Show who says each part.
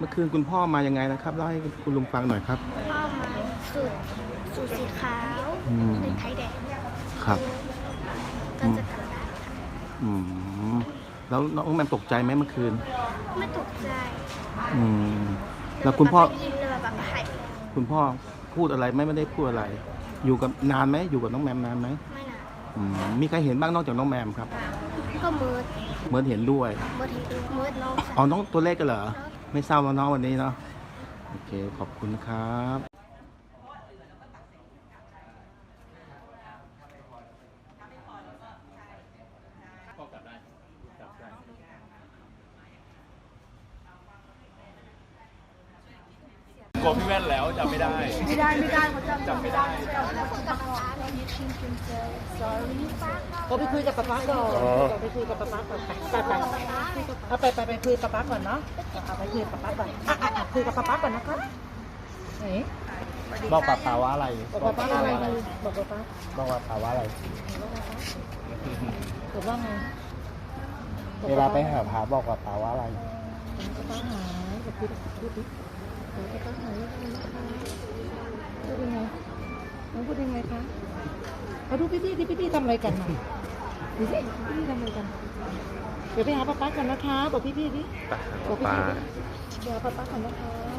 Speaker 1: มื่อคืนคุณพ่อมายังไงนะครับเล่าให้คุณลุงฟังหน่อยครับ
Speaker 2: พ่อมาสูตรสีขาวหนึ่งไข่แดง
Speaker 1: ครับ
Speaker 2: ก็จะกลับบ้านค่ะ
Speaker 1: แล้วน้องแมมตกใจไหมเมื่อคืน
Speaker 2: ไม่ตกใจ
Speaker 1: แล้วคุณพ่อ
Speaker 2: ยินเลยแบบหาย
Speaker 1: คุณพ่อพูดอะไรไม่ได้พูดอะไร อยู่กับนานไหมอยู่กับน้องแมมนานไหม
Speaker 2: ไม่นาน
Speaker 1: มีใครเห็นบ้างนอกจากน้องแมมครับ
Speaker 2: ก็เมิร์ด
Speaker 1: เห็นด้วย
Speaker 2: เมิร์ดน้อง
Speaker 1: อ๋อน้องตัวเล็กกันเหรอไม่เศร้าแล้วน้องวันนี้เนาะโอเคขอบคุณครับ
Speaker 3: กลัวพี่แว่นแล้วจำไม่ได้เขาจำไม่ได้
Speaker 4: ก็ไปคุยกับป๊าก่อนไปคุยกับป๊าก่อนไปคุยกับป๊าก่อนเนาะไปคุยกับป๊าก่อนคุยกับป๊าก่อนนะคะไหน
Speaker 3: บอกป๊าว่าอะไร
Speaker 4: บอกป๊าอะไรบอกป๊า
Speaker 3: ว่าอะไร
Speaker 4: บอกว่าไง
Speaker 3: เวลาไปหาพาบอกป๊าว่าอะไร
Speaker 4: ป๊าหายบอกพูดดิป๊าหายพูดยังไงน้องพูดยังไงคะมาดูพี่ทำอะไรกันดูสิพี่ทำอะไรกันเดี๋ยวไปหาป๊าก่อนนะคะบอกพี่ดิบอกพี่เดี๋ยวป๊าก่อนนะคะ